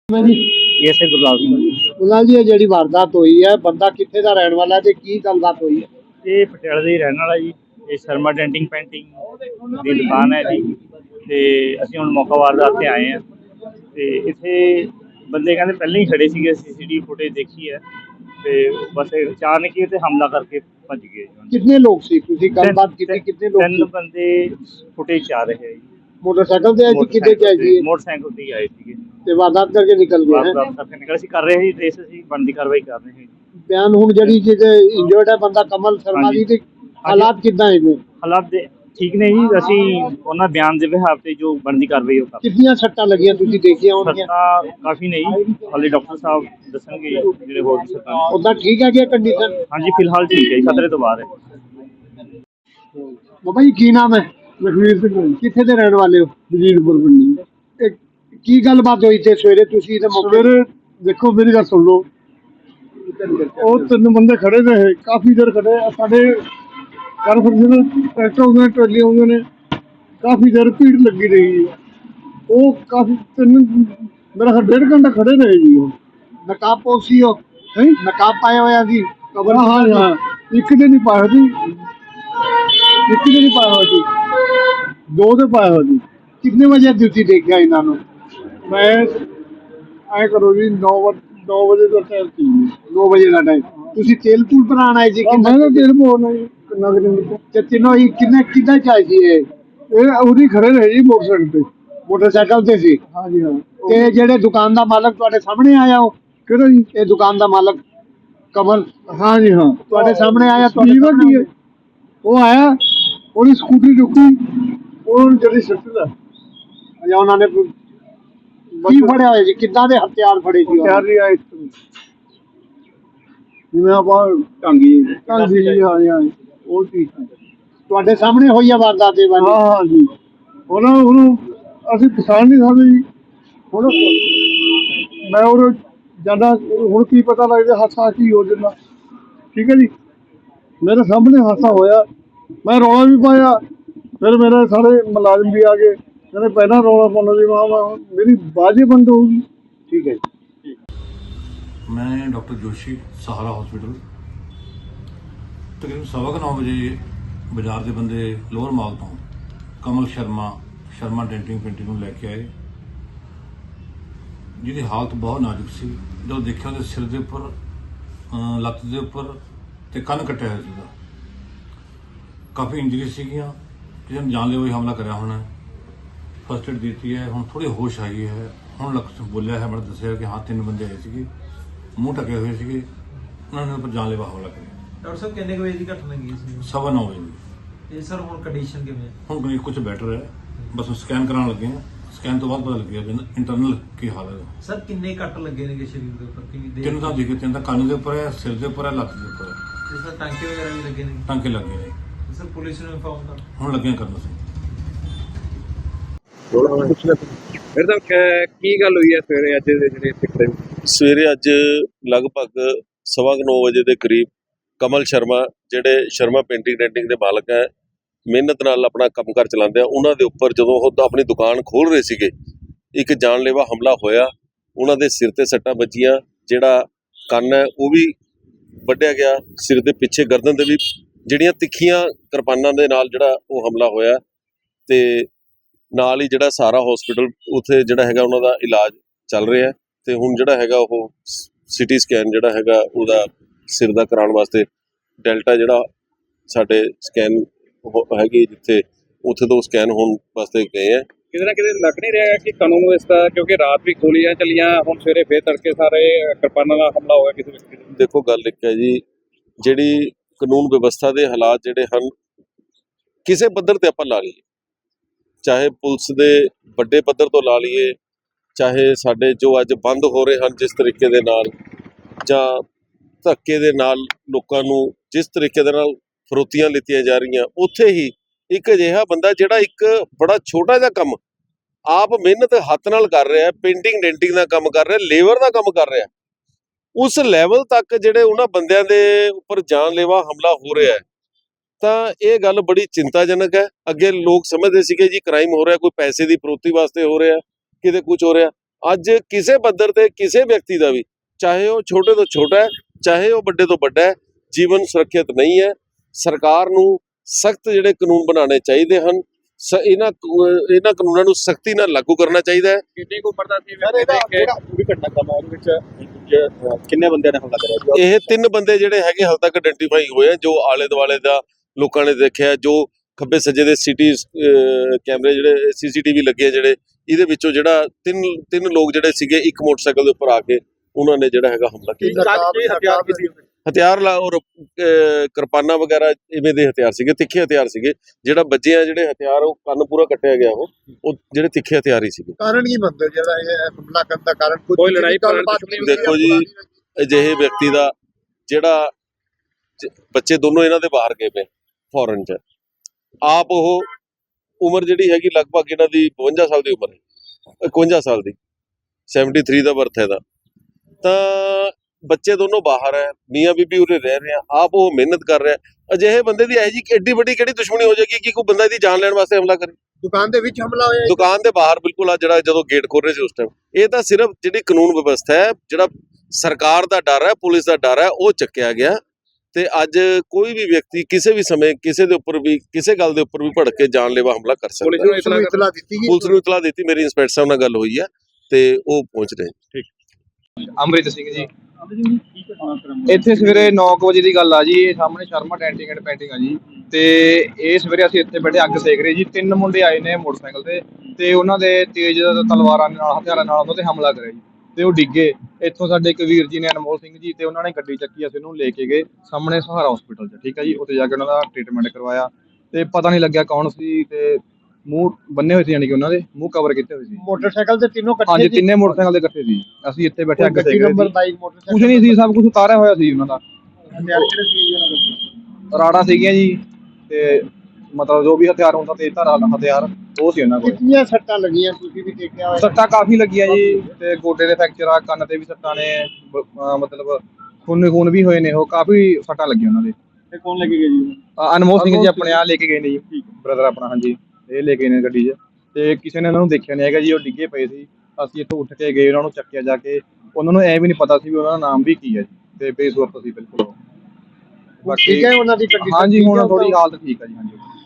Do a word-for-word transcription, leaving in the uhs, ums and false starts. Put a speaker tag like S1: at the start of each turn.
S1: ਇਸੇ ਗੁਰਲਾਲ ਸਿੰਘ ਜੀ।
S2: ਗੁਰਲਾਲ ਜੀ, ਇਹ ਜਿਹੜੀ ਵਾਰਦਾਤ ਹੋਈ ਹੈ, ਬੰਦਾ ਕਿੱਥੇ ਦਾ ਰਹਿਣ ਵਾਲਾ ਤੇ ਕੀ ਗੱਲਬਾਤ ਹੋਈ ਹੈ?
S1: ਇਹ ਪਟਿਆਲੇ ਦਾ ਹੀ ਰਹਿਣ ਵਾਲਾ ਜੀ। ਇਹ ਸ਼ਰਮਾ ਡੈਂਟਿੰਗ ਪੇਂਟਿੰਗ ਦੀ ਦੁਕਾਨ ਹੈ ਜੀ। ਤੇ ਅਸੀਂ ਹੁਣ ਮੌਕਾ ਵਾਰਦਾਤ ਤੇ ਆਏ ਹਾਂ। ਤੇ ਇੱਥੇ ਬੰਦੇ ਕਹਿੰਦੇ ਪਹਿਲਾਂ ਹੀ ਖੜੇ ਸੀਗੇ, ਸੀਸੀਟੀਵੀ ਫੁਟੇਜ ਦੇਖੀ ਹੈ। ਤੇ ਬਸ ਅਚਾਨਕ ਹੀ ਤੇ ਹਮਲਾ ਕਰਕੇ ਭੱਜ ਗਏ ਜੀ।
S2: ਕਿੰਨੇ ਲੋਕ ਸੀ? ਤੁਸੀਂ ਗੱਲਬਾਤ ਕੀਤੀ? ਕਿੰਨੇ ਲੋਕ?
S1: ਤਿੰਨ ਬੰਦੇ ਫੁਟੇਜ ਚ ਆ ਰਹੇ ਹੈ ਜੀ।
S2: ਮੋਟਰਸਾਈਕਲ ਤੇ ਆਏ ਸੀ? ਕਿੱਥੇ ਤੇ ਆਏ ਸੀ?
S1: ਮੋਟਰਸਾਈਕਲ ਤੇ ਹੀ ਆਏ ਸੀਗੇ
S2: ਤੇ ਵਾਰਦਾਤ ਕਰਕੇ ਨਿਕਲ ਗਏ।
S1: ਵਾਰਦਾਤ ਕਰਕੇ ਨਿਕਲ ਅਸੀਂ ਕਰ ਰਹੇ ਸੀ ਟ੍ਰੇਸ, ਅਸੀਂ ਬਣਦੀ ਕਾਰਵਾਈ ਕਰ ਰਹੇ ਸੀ।
S2: ਬਿਆਨ ਹੁਣ ਜਿਹੜੀ ਜਿਹਦੇ ਇੰਜਰਡ ਹੈ ਬੰਦਾ ਕਮਲ ਸ਼ਰਮਾ ਜੀ ਦੇ ਹਾਲਾਤ ਕਿੱਦਾਂ ਹੈ?
S1: ਹਾਲਾਤ ਦੇ ਠੀਕ ਨੇ ਜੀ। ਅਸੀਂ ਉਹਨਾਂ ਬਿਆਨ ਦੇ ਬਿਹਾਫ ਤੇ ਜੋ ਬਣਦੀ ਕਾਰਵਾਈ ਉਹ ਕਰ।
S2: ਕਿੰਨੀਆਂ ਸੱਟਾਂ ਲੱਗੀਆਂ ਤੁਸੀਂ ਦੇਖੀਆਂ ਹੋਣਗੀਆਂ?
S1: ਸੱਟਾਂ ਕਾਫੀ ਨੇ ਜੀ, ਹਾਲੇ ਡਾਕਟਰ ਸਾਹਿਬ ਦੱਸਣਗੇ ਜਿਹੜੇ ਹੋਰ ਸੱਟਾਂ।
S2: ਉਦਾਂ ਠੀਕ ਹੈ ਕਿ ਕੰਡੀਸ਼ਨ?
S1: ਹਾਂਜੀ ਫਿਲਹਾਲ ਠੀਕ ਹੈ ਜੀ, ਖਤਰੇ ਤੋਂ ਬਾਹਰ ਹੈ।
S2: ਬਾਬਾ ਜੀ ਕੀ ਨਾਮ ਹੈ? ਲਖਵੀਰ ਸਿੰਘ। ਕਿੱਥੇ ਦੇ ਰਹਿਣ ਵਾਲੇ ਹੋ? ਵਜੀਰਪੁਰ ਪਿੰਡੀ। ਕੀ ਗੱਲਬਾਤ ਹੋਈ ਤੇ ਸਵੇਰੇ ਤੁਸੀਂ ਤੇ
S3: ਸਵੇਰੇ ਦੇਖੋ ਮੇਰੀ ਗੱਲ ਸੁਣ ਲਓ। ਉਹ ਤਿੰਨ ਬੰਦੇ ਖੜੇ ਰਹੇ, ਕਾਫੀ ਦੇਰ ਖੜੇ। ਸਾਡੇ ਕਰ ਫਿਰ ਟਰੈਕਟਰ ਆਉਂਦੇ ਨੇ, ਟਰਾਲੀਆਂ ਆਉਂਦੀਆਂ ਨੇ, ਕਾਫੀ ਦੇਰ ਭੀੜ ਲੱਗੀ ਰਹੀ ਹੈ। ਉਹ ਕਾਫੀ ਤਿੰਨ ਮੇਰਾ ਖਿਆਲ ਡੇਢ ਘੰਟਾ ਖੜੇ ਰਹੇ ਜੀ। ਉਹ
S2: ਨਕਾਬ ਪੋਸੀ ਹੋ?
S3: ਹੈ
S2: ਨਕਾਬ ਪਾਇਆ ਹੋਇਆ ਸੀ?
S3: ਕਬਰ ਹਾਂ ਹਾਂ ਇੱਕ ਦੇ ਨਹੀਂ ਪਾਇਆ ਸੀ, ਇੱਕ ਦੇ ਨਹੀਂ ਪਾਇਆ ਹੋਇਆ ਸੀ, ਦੋ ਦੇ ਪਾਇਆ ਹੋਇਆ ਸੀ।
S2: ਕਿੰਨੇ ਵਜੇ ਡਿਊਟੀ ਦੇਖਿਆ ਇਹਨਾਂ ਨੂੰ?
S3: ਮੈਂ ਐ ਕਰੋ ਜੀ ਨੌ ਵਜੇ ਨੌ ਵਜੇ ਦਾ ਟਾਈਮ ਸੀ।
S2: ਨੌ ਵਜੇ ਦਾ ਟਾਈਮ। ਤੁਸੀਂ ਤੇਲ ਤੂਲ ਭਰਾਉਣ ਆਏ ਸੀ?
S3: ਮੈਂ ਤਾਂ ਤੇਲ ਪਾਉਣਾ ਜੀ ਕਿੰਨਾ ਕਿਲੋਮੀਟਰ
S2: ਤੇ ਤਿੰਨੋਂ ਹੀ ਕਿੰਨੇ ਕਿੱਦਾਂ ਚਾਹੀ ਸੀ? ਇਹ
S3: ਇਹ ਉਹਦੀ ਖੜੇ ਰਹੇ ਜੀ ਮੋਟਰਸਾਈਕਲ ਤੇ।
S2: ਮੋਟਰਸਾਈਕਲ ਤੇ ਸੀ?
S3: ਹਾਂਜੀ ਹਾਂ।
S2: ਤੇ ਜਿਹੜੇ ਦੁਕਾਨ ਦਾ ਮਾਲਕ ਤੁਹਾਡੇ ਸਾਹਮਣੇ ਆਇਆ, ਉਹ
S3: ਕਿਹੜਾ ਜੀ?
S2: ਇਹ ਦੁਕਾਨ ਦਾ ਮਾਲਕ ਕਮਲ
S3: ਹਾਂਜੀ ਹਾਂ
S2: ਤੁਹਾਡੇ ਸਾਹਮਣੇ ਆਇਆ? ਤੁਹਾਡੇ
S3: ਕੀ
S2: ਸਾਹਮਣੇ
S3: ਹੈ ਉਹ ਆਇਆ, ਉਹਦੀ ਸਕੂਟਰੀ ਰੁਕੀ, ਉਹ ਜਿਹੜੀ ਸਿੱਟ ਦਾ
S2: ਜਾਂ ਉਹਨਾਂ ਨੇ ਕੀ ਫੜਿਆ ਹੋਇਆ ਸੀ? ਕਿੱਦਾਂ ਦੇ ਹਥਿਆਰ ਫੜੇ ਸੀ?
S3: ਚਾਰ ਰਹੀ ਆਏ ਜਿਵੇਂ ਆਪਾਂ
S2: ਟਾਂਗੀ
S3: ਹਾਂਜੀ ਜੀ ਹਾਂ ਹਾਂ ਉਹ ਚੀਜ਼
S2: ਤੁਹਾਡੇ ਸਾਹਮਣੇ ਹੋਈ ਆ ਵਾਰਦਾਤ? ਇਹ ਵਾਲੀ?
S3: ਹਾਂ ਹਾਂ ਜੀ। ਉਹਨਾਂ ਉਹਨੂੰ ਅਸੀਂ ਪਛਾਣ ਨਹੀਂ ਸਕਦੇ ਜੀ। ਹੁਣ ਮੈਂ ਉਹ ਜਾਂਦਾ ਹੁਣ ਕੀ ਪਤਾ ਲੱਗਦਾ ਹਾਦਸਾ ਕੀ ਹੋ ਜਾਂਦਾ। ਠੀਕ ਹੈ ਜੀ, ਮੇਰੇ ਸਾਹਮਣੇ ਹਾਦਸਾ ਹੋਇਆ, ਮੈਂ ਰੌਲਾ ਵੀ ਪਾਇਆ। ਫਿਰ ਮੇਰੇ ਸਾਰੇ ਮੁਲਾਜ਼ਮ ਵੀ ਆ ਗਏ, ਕਹਿੰਦੇ ਪਹਿਲਾਂ ਰੌਲਾ ਪਾਉਣਾ ਜੀ। ਮਾਂ ਮੇਰੀ ਬਾਜ਼ੇ ਬੰਦ ਹੋਊਗੀ।
S2: ਠੀਕ ਹੈ ਜੀ।
S4: मैं डॉक्टर जोशी सहारा हॉस्पिटल तकरीबन सवा नौ बजे बाजार के बंदे लोअर माल तो कमल शर्मा शर्मा डेंटिंग पेंटिंग लैके आए, जिहदी हालत बहुत नाजुक सी। जो देखा तो सिर के उपर, लत्त के उपर ते कन कट्टिया होया सीगा, काफ़ी इंजरी सीगियां। किसी ने जानलेवा हमला करा होना। फर्स्ट एड दी है, हुण थोड़ी होश आई है। हुण लग बोलिया है, मैंने दसिया कि हाँ तीन बंदे आए सीगे, ਮੂੰਹ ਢਕੇ ਹੋਏ ਸੀਗੇ। ਉਹਨਾਂ ਨੇ ਉੱਪਰ ਜਾਨਲੇਵਾ ਹਮਲਾ ਕਰਿਆ।
S5: ਡਾਕਟਰ ਸਾਹਿਬ ਕਿੰਨੇ ਕੁ ਵਜੇ ਦੀ ਘਟਨਾ ਹੈਗੀ ਸੀ?
S4: ਸਵਾ ਨੌ ਵਜੇ ਦੀ।
S5: ਤੇ ਸਰ ਹੁਣ ਕੰਡੀਸ਼ਨ ਕਿਵੇਂ ਹੈ?
S4: ਹੁਣ ਕੋਈ ਕੁਝ ਬੈਟਰ ਹੈ, ਬਸ ਸਕੈਨ ਕਰਾਉਣ ਲੱਗੇ ਆ। ਸਕੈਨ ਤੋਂ ਬਾਅਦ ਪਤਾ ਲੱਗੇਗਾ ਵੀ ਇੰਟਰਨਲ ਕੀ ਹਾਲ ਹੈ।
S5: ਸਰ ਕਿੰਨੇ ਕੱਟ ਲੱਗੇ ਨੇਗੇ ਸਰੀਰ ਦੇ ਉੱਪਰ? ਕਿੰਨੀ ਦੇਰ?
S4: ਤਿੰਨ ਤਾਂ ਦਿਖੇ, ਤਿੰਨ ਤਾਂ ਕੰਨ ਦੇ ਉੱਪਰ ਹੈ, ਸਿਰ ਦੇ ਉੱਪਰ ਹੈ, ਲੱਤ ਦੇ ਉੱਪਰ ਹੈ।
S5: ਤੇ ਸਰ ਟਾਂਕੇ ਵਗੈਰਾ ਵੀ ਲੱਗੇ ਨੇ?
S4: ਟਾਂਕੇ ਲੱਗੇ ਨੇ।
S5: ਤੇ ਸਰ ਪੁਲਿਸ ਨੂੰ ਇਨਫੋਰਮ ਕਰ?
S4: ਹੁਣ ਲੱਗੇ ਕਰਨ ਸੀ।
S6: ਫਿਰ ਤਾਂ ਕੀ ਗੱਲ ਹੋਈ ਹੈ ਸਵੇਰੇ ਅੱਜ ਦੇ ਜਿਹੜੇ ਸਿੱਖਦੇ? ਸਵੇਰੇ ਅੱਜ ਲਗਭਗ ਸਵਾ ਨੌ ਵਜੇ ਦੇ ਕਰੀਬ ਕਮਲ ਸ਼ਰਮਾ, ਜਿਹੜੇ ਸ਼ਰਮਾ ਪੇਂਟਿੰਗ ਡੈਂਟਿੰਗ ਦੇ ਮਾਲਕ ਹੈ, ਮਿਹਨਤ ਨਾਲ ਆਪਣਾ ਕੰਮਕਾਰ ਚਲਾਉਂਦੇ ਆ, ਉਹਨਾਂ ਦੇ ਉੱਪਰ ਜਦੋਂ ਉਹ ਆਪਣੀ ਦੁਕਾਨ ਖੋਲ੍ਹ ਰਹੇ ਸੀਗੇ, ਇੱਕ ਜਾਨਲੇਵਾ ਹਮਲਾ ਹੋਇਆ। ਉਹਨਾਂ ਦੇ ਸਿਰ ਤੇ ਸੱਟਾਂ ਵੱਜੀਆਂ, ਜਿਹੜਾ ਕੰਨ ਹੈ ਉਹ ਵੀ ਵੱਢਿਆ ਗਿਆ, ਸਿਰ ਦੇ ਪਿੱਛੇ ਗਰਦਨ ਦੇ ਵੀ ਜਿਹੜੀਆਂ ਤਿੱਖੀਆਂ ਕਿਰਪਾਨਾਂ ਦੇ ਨਾਲ ਜਿਹੜਾ ਉਹ ਹਮਲਾ ਹੋਇਆ। ਤੇ ਨਾਲ ਹੀ ਜਿਹੜਾ ਸਹਾਰਾ ਹਸਪੀਟਲ ਉੱਥੇ ਜਿਹੜਾ ਹੈਗਾ ਉਹਨਾਂ ਦਾ ਇਲਾਜ ਚੱਲ ਰਿਹਾ। ਤੇ ਹੁਣ ਜਿਹੜਾ ਹੈਗਾ ਉਹ ਸਿਟੀ ਸਕੈਨ ਜਿਹੜਾ ਹੈਗਾ ਉਹਦਾ ਸਿਰ ਦਾ ਕਰਾਉਣ ਵਾਸਤੇ ਡੈਲਟਾ ਜਿਹੜਾ ਸਾਡੇ ਸਕੈਨ ਹੈਗੀ ਜਿੱਥੇ, ਉੱਥੇ ਤੋਂ ਸਕੈਨ ਹੋਣ ਵਾਸਤੇ ਗਏ ਆ।
S7: ਕਿਤੇ ਨਾ ਕਿਤੇ ਲੱਗ ਨਹੀਂ ਰਿਹਾ ਕਿ ਕਾਨੂੰਨ ਇਸ ਦਾ, ਕਿਉਂਕਿ ਰਾਤ ਵੀ ਗੋਲੀਆਂ ਚੱਲੀਆਂ, ਹੁਣ ਸਵੇਰੇ ਫੇਰ ਤੜਕੇ ਸਾਰੇ ਕਿਰਪਾਨਾਂ ਦਾ ਹਮਲਾ ਹੋਇਆ ਕਿਸੇ ਵਿਅਕਤੀ ਤੇ।
S6: ਦੇਖੋ ਗੱਲ ਇੱਕ ਹੈ ਜੀ, ਜਿਹੜੀ ਕਾਨੂੰਨ ਵਿਵਸਥਾ ਦੇ ਹਾਲਾਤ ਜਿਹੜੇ ਹਨ, ਕਿਸੇ ਪੱਧਰ ਤੇ ਆਪਾਂ ਲਾ ਲਈਏ, ਚਾਹੇ ਪੁਲਿਸ ਦੇ ਵੱਡੇ ਪੱਧਰ ਤੋਂ ਲਾ ਲਈਏ, ਚਾਹੇ ਸਾਡੇ ਜੋ ਅੱਜ ਬੰਦ ਹੋ ਰਹੇ ਹਨ ਜਿਸ ਤਰੀਕੇ ਦੇ ਨਾਲ, ਜਾਂ ਧੱਕੇ ਦੇ ਨਾਲ ਲੋਕਾਂ ਨੂੰ ਜਿਸ ਤਰੀਕੇ ਦੇ ਨਾਲ ਫਰੋਤੀਆਂ ਲਿੱਤੀਆਂ ਜਾ ਰਹੀਆਂ, ਉੱਥੇ ਹੀ ਇੱਕ ਅਜਿਹਾ ਬੰਦਾ ਜਿਹੜਾ ਇੱਕ ਬੜਾ ਛੋਟਾ ਜਿਹਾ ਕੰਮ ਆਪ ਮਿਹਨਤ ਹੱਥ ਨਾਲ ਕਰ ਰਿਹਾ, ਪੇਂਟਿੰਗ ਡੈਂਟਿੰਗ ਦਾ ਕੰਮ ਕਰ ਰਿਹਾ, ਲੇਬਰ ਦਾ ਕੰਮ ਕਰ ਰਿਹਾ, ਉਸ ਲੈਵਲ ਤੱਕ ਜਿਹੜੇ ਉਹਨਾਂ ਬੰਦਿਆਂ ਦੇ ਉੱਪਰ ਜਾਨਲੇਵਾ ਹਮਲਾ ਹੋ ਰਿਹਾ ਹੈ, ਤਾਂ ਇਹ ਗੱਲ ਬੜੀ ਚਿੰਤਾਜਨਕ ਹੈ। ਅੱਗੇ ਲੋਕ ਸਮਝਦੇ ਸੀਗੇ ਜੀ ਕ੍ਰਾਈਮ ਹੋ ਰਿਹਾ, ਕੋਈ ਪੈਸੇ ਦੀ ਫਰੋਤੀ ਵਾਸਤੇ ਹੋ ਰਿਹਾ, ਕਿਤੇ ਕੁਝ ਹੋ ਰਿਹਾ। ਅੱਜ ਕਿਸੇ ਪੱਧਰ ਤੇ ਕਿਸੇ ਵਿਅਕਤੀ ਦਾ ਵੀ, ਚਾਹੇ ਉਹ ਛੋਟੇ ਤੋਂ ਛੋਟਾ ਹੈ, ਚਾਹੇ ਉਹ ਵੱਡੇ ਤੋਂ ਵੱਡਾ ਹੈ, ਜੀਵਨ ਸੁਰੱਖਿਅਤ ਨਹੀਂ ਹੈ। ਸਰਕਾਰ ਨੂੰ ਸਖਤ ਜਿਹੜੇ ਕਾਨੂੰਨ ਬਣਾਉਣੇ ਚਾਹੀਦੇ ਹਨ। ਸ- ਇਹਨਾਂ ਕ- ਇਹਨਾਂ ਕਾਨੂੰਨਾਂ ਨੂੰ ਸਖਤੀ ਨਾਲ ਲਾਗੂ ਕਰਨਾ ਚਾਹੀਦਾ ਹੈ।
S7: ਕਿੰਨੀ ਕੁ ਉਮਰ ਦਾ ਸੀ ਵਿਅਕਤੀ ਦੇਖ ਕੇ ਪੂਰੀ ਘਟਨਾ ਕੰਮ ਉਹਦੇ ਵਿੱਚ ਕਿੰਨੇ ਬੰਦਿਆਂ ਨੇ ਹਮਲਾ ਕਰਿਆ ਸੀ?
S6: ਇਹ ਤਿੰਨ ਬੰਦੇ ਜਿਹੜੇ ਹੈਗੇ ਹਾਲ ਤੱਕ ਆਇਡੈਂਟੀਫਾਈ ਹੋਏ ਆ, ਜੋ ਆਲੇ ਦੁਆਲੇ ਦਾ ਲੋਕਾਂ ਨੇ ਦੇਖਿਆ, ਜੋ ਖੱਬੇ ਸੱਜੇ ਦੇ ਸਿਟੀ ਕੈਮਰੇ ਜਿਹੜੇ ਸੀਸੀਟੀਵੀ ਲੱਗੇ ਆ, ਜਿਹੜੇ ਇਹਦੇ ਵਿੱਚੋਂ ਜਿਹੜਾ ਤਿੰਨ ਤਿੰਨ ਲੋਕ ਜਿਹੜੇ ਸੀਗੇ ਇੱਕ ਮੋਟਰਸਾਈਕਲ ਦੇ ਉੱਪਰ ਆ ਕੇ ਉਹਨਾਂ ਨੇ ਜਿਹੜਾ ਹੈਗਾ ਹਮਲਾ ਕੀਤਾ।
S7: ਹਥਿਆਰ ਕੀ ਸੀ?
S6: ਹਥਿਆਰ ਲਾ ਔਰ ਅਹ, ਕਿਰਪਾਨਾਂ ਵਗੈਰਾ ਇਵੇਂ ਦੇ ਹਥਿਆਰ ਸੀਗੇ, ਤਿੱਖੇ ਹਥਿਆਰ ਸੀਗੇ। ਜਿਹੜਾ ਬੱਜੇ ਆ ਜਿਹੜੇ ਹਥਿਆਰ, ਉਹ ਕੰਨ ਪੂਰਾ ਕੱਟਿਆ ਗਿਆ, ਉਹ ਉਹ ਜਿਹੜੇ ਤਿੱਖੇ ਹਥਿਆਰ ਹੀ ਸੀਗੇ।
S2: ਕਾਰਨ ਕੀ ਮੰਨਦੇ ਜਿਹੜਾ ਇਹ ਹਮਲਾ ਕਰਨ ਦਾ ਕਾਰਨ?
S7: ਕੋਈ ਲੜਾਈ ਕਰਨ
S2: ਗੱਲਬਾਤ
S7: ਦੁਸ਼ਮਣੀ
S2: ਨਹੀਂ ਹੋਈ?
S6: ਦੇਖੋ ਜੀ, ਅਜਿਹੇ ਵਿਅਕਤੀ ਦਾ ਜਿਹੜਾ ਜ- ਬੱਚੇ ਦੋਨੋਂ ਇਹਨਾਂ ਦੇ ਬਾਹਰ ਗਏ ਪਏ ਫੋਰਨ ਚ, ਆਪ ਉਹ ਉਮਰ ਜਿਹੜੀ ਹੈਗੀ ਲਗਭਗ ਇਹਨਾਂ ਦੀ ਬਵੰਜਾ ਸਾਲ ਦੀ ਉਮਰ ਹੈ, ਇਕਵੰਜਾ ਸਾਲ ਦੀ, ਤਿਹੱਤਰ ਦਾ ਬਰਥ ਹੈ ਦਾ। ਤਾਂ ਬੱਚੇ ਦੋਨੋਂ ਬਾਹਰ ਹੈ, ਮੀਆਂ ਬੀਬੀ ਉਰੇ ਰਹਿ ਰਹੇ ਆ, ਆਪ ਉਹ ਮਿਹਨਤ ਕਰ ਰਿਹਾ। ਅਜਿਹੇ ਬੰਦੇ ਦੀ ਇਹੋ ਜਿਹੀ ਐਡੀ ਵੱਡੀ ਕਿਹੜੀ ਦੁਸ਼ਮਣੀ ਹੋ ਜਾਏਗੀ ਕਿ ਕੋਈ ਬੰਦਾ ਇਹਦੀ ਜਾਨ ਲੈਣ ਵਾਸਤੇ ਹਮਲਾ ਕਰੇ?
S2: ਦੁਕਾਨ ਦੇ ਵਿੱਚ ਹਮਲਾ ਹੋਇਆ?
S6: ਦੁਕਾਨ ਦੇ ਬਾਹਰ ਬਿਲਕੁਲ ਆ, ਜਿਹੜਾ ਜਦੋਂ ਗੇਟ ਖੋਲ ਰਹੇ ਸੀ ਉਸ ਟਾਈਮ। ਇਹ ਤਾਂ ਸਿਰਫ ਜਿਹੜੀ ਕਾਨੂੰਨ ਵਿਵਸਥਾ ਹੈ, ਜਿਹੜਾ ਸਰਕਾਰ ਦਾ ਡਰ ਹੈ, ਪੁਲਿਸ ਦਾ ਡਰ ਹੈ, ਉਹ ਚੱਕਿਆ ਗਿਆ। ਤੇ ਅੱਜ ਕੋਈ ਵੀ ਵਿਅਕਤੀ ਕਿਸੇ ਵੀ ਸਮੇਂ ਕਿਸੇ ਦੇ ਉੱਪਰ ਵੀ ਕਿਸੇ ਗੱਲ ਦੇ ਉੱਪਰ ਵੀ ਭੜਕ ਕੇ ਜਾਨਲੇਵਾ ਹਮਲਾ ਕਰ ਸਕਦਾ
S7: ਪੁਲਿਸ
S6: ਹੈ।
S7: ਨੂੰ
S2: ਪੁਲਿਸ ਨੂੰ ਇਤਲਾ ਦਿੱਤੀ ਗਈ?
S6: ਪੁਲਿਸ ਨੂੰ ਇਤਲਾ ਦਿੱਤੀ, ਮੇਰੀ ਇੰਸਪੈਕਟਰ ਸਾਹਿਬ ਨਾਲ ਗੱਲ ਹੋਈ ਹੈ ਤੇ ਉਹ ਪਹੁੰਚ ਰਹੇ।
S8: ਅੰਮ੍ਰਿਤ ਸਿੰਘ ਜੀ। ਇੱਥੇ ਸਵੇਰੇ ਨੌ ਕੁ ਵਜੇ ਦੀ ਗੱਲ ਆ ਜੀ। ਇਹ ਸਾਹਮਣੇ ਸ਼ਰਮਾ ਡੈਂਟਿੰਗ ਐਂਡ ਪੇਂਟਿੰਗ ਆ ਜੀ। ਤੇ ਇਹ ਸਵੇਰੇ ਅਸੀਂ ਇੱਥੇ ਬੈਠੇ ਅੱਗ ਸੇਕ ਰਹੇ ਜੀ। ਤਿੰਨ ਮੁੰਡੇ ਆਏ ਨੇ ਮੋਟਰਸਾਈਕਲ ਤੇ ਤੇ ਉਹਨਾਂ ਦੇ ਤੇਜ਼ ਤਲਵਾਰਾਂ ਨਾਲ, ਹਥਿਆਰਾਂ ਨਾਲ ਉਹਨਾਂ ਤੇ ਹਮਲਾ ਕਰਿਆ ਜੀ ਤੇ ਉਹ ਡਿੱਗੇ। ਇੱਥੋਂ ਸਾਡੇ ਇੱਕ ਵੀਰ ਜੀ ਨੇ, ਅਨਮੋਲ ਸਿੰਘ ਜੀ, ਤੇ ਉਹਨਾਂ ਨੇ ਗੱਡੀ ਚੱਕੀ, ਅਸੀਂ ਉਹਨੂੰ ਲੈ ਕੇ ਗਏ ਸਾਹਮਣੇ ਸਹਾਰਾ ਹਸਪੀਟਲ 'ਚ। ਠੀਕ ਆ ਜੀ, ਉੱਥੇ ਜਾ ਕੇ ਉਹਨਾਂ ਦਾ ਟ੍ਰੀਟਮੈਂਟ ਕਰਵਾਇਆ ਤੇ ਪਤਾ ਨਹੀਂ ਲੱਗਿਆ ਕੌਣ ਸੀ, ਤੇ ਮੂੰਹ ਬੰਨੇ ਹੋਏ ਸੀ, ਯਾਨੀ ਕਿ ਉਹਨਾਂ ਦੇ ਮੂੰਹ ਕਵਰ ਕੀਤੇ ਹੋਏ ਸੀ।
S2: ਮੋਟਰਸਾਈਕਲ ਤੇ ਤਿੰਨੋਂ ਇਕੱਠੇ
S8: ਹਾਂਜੀ,
S2: ਸੀ?
S8: ਤਿੰਨੇ ਮੋਟਰਸਾਈਕਲ ਦੇ ਇਕੱਠੇ ਸੀ। ਅਸੀਂ ਇੱਥੇ ਬੈਠੇ ਅੱਗ
S2: ਗੱਡੀ
S8: ਸੇਕ ਰਹੇ
S2: ਨੰਬਰ
S8: ਸੀ।
S2: ਬਾਈਕ ਮੋਟਰਸਾਈਕਲ
S8: ਕੁਝ ਨਹੀਂ ਸੀ, ਸਭ ਕੁਝ ਉਤਾਰਿਆ ਹੋਇਆ ਸੀ ਉਹਨਾਂ ਦਾ।
S2: ਹਥਿਆਰ ਕਿਹੜੇ ਸੀ ਜੀ ਉਹਨਾਂ ਕੋਲ?
S8: ਰਾੜਾ ਸੀਗੀਆਂ ਜੀ, ਤੇ ਮਤਲਬ ਜੋ ਵੀ ਹਥਿਆਰ ਹੁੰਦਾ ਤੇ ਧਾਰ ਵਾਲਾ ਹਥਿਆਰ ਉਹ ਸੀ ਉਹਨਾਂ ਕੋਲ।
S2: ਕਿੰਨੀਆਂ ਸੱਟਾਂ ਲੱਗੀਆਂ ਤੁਸੀਂ ਵੀ ਦੇਖਿਆ ਹੋਇਆ?
S8: ਸੱਟਾਂ ਕਾਫੀ ਲੱਗੀਆਂ ਜੀ, ਤੇ ਗੋਡੇ ਦੇ ਫ੍ਰੈਕਚਰ ਆ, ਕੰਨ ਤੇ ਵੀ ਸੱਟਾਂ ਨੇ, ਬ- ਅਹ ਮਤਲਬ ਖੂਨ ਖੂਨ ਵੀ ਹੋਏ ਨੇ, ਉਹ ਕਾਫੀ ਸੱਟਾਂ ਲੱਗੀਆਂ ਉਹਨਾਂ ਦੇ।
S3: ਤੇ ਕੌਣ ਲੈ ਕੇ ਗਿਆ ਜੀ?
S8: ਅਹ ਅਨਮੋਲ ਸਿੰਘ ਜੀ ਆਪਣੇ ਆ ਲੈ ਕੇ ਗਏ ਨੇ ਜੀ, ਬ੍ਰਦਰ ਆਪਣਾ। ਹਾਂਜੀ, ਇਹ ਲੈ ਕੇ ਗਏ ਨੇ ਗੱਡੀ 'ਚ, ਤੇ ਕਿਸੇ ਨੇ ਉਹਨਾਂ ਨੂੰ ਦੇਖਿਆ ਨਹੀਂ ਹੈਗਾ ਜੀ, ਉਹ ਡਿੱਗੇ ਪਏ ਸੀ। ਅਸੀਂ ਇੱਥੋਂ ਉੱਠ ਕੇ ਗਏ, ਉਹਨਾਂ ਨੂੰ ਚੱਕਿਆ ਜਾ ਕੇ। ਉਹਨਾਂ ਨੂੰ ਇਹ ਵੀ ਨਹੀਂ ਪਤਾ ਸੀ ਵੀ ਉਹਨਾਂ ਦਾ ਨਾਮ ਵੀ ਕੀ ਹੈ ਜੀ, ਤੇ ਬੇਸੁਰਤ ਸੀ ਬਿਲਕੁਲ ਉਹ।
S2: ਠੀਕ ਹੈ ਉਹਨਾਂ ਦੀ ਕੰਡੀਸ਼ਨ?
S8: ਹਾਂਜੀ, ਹੁਣ ਥੋੜੀ ਹਾਲਤ ਠੀਕ ਹੈ ਜੀ। ਹਾਂਜੀ।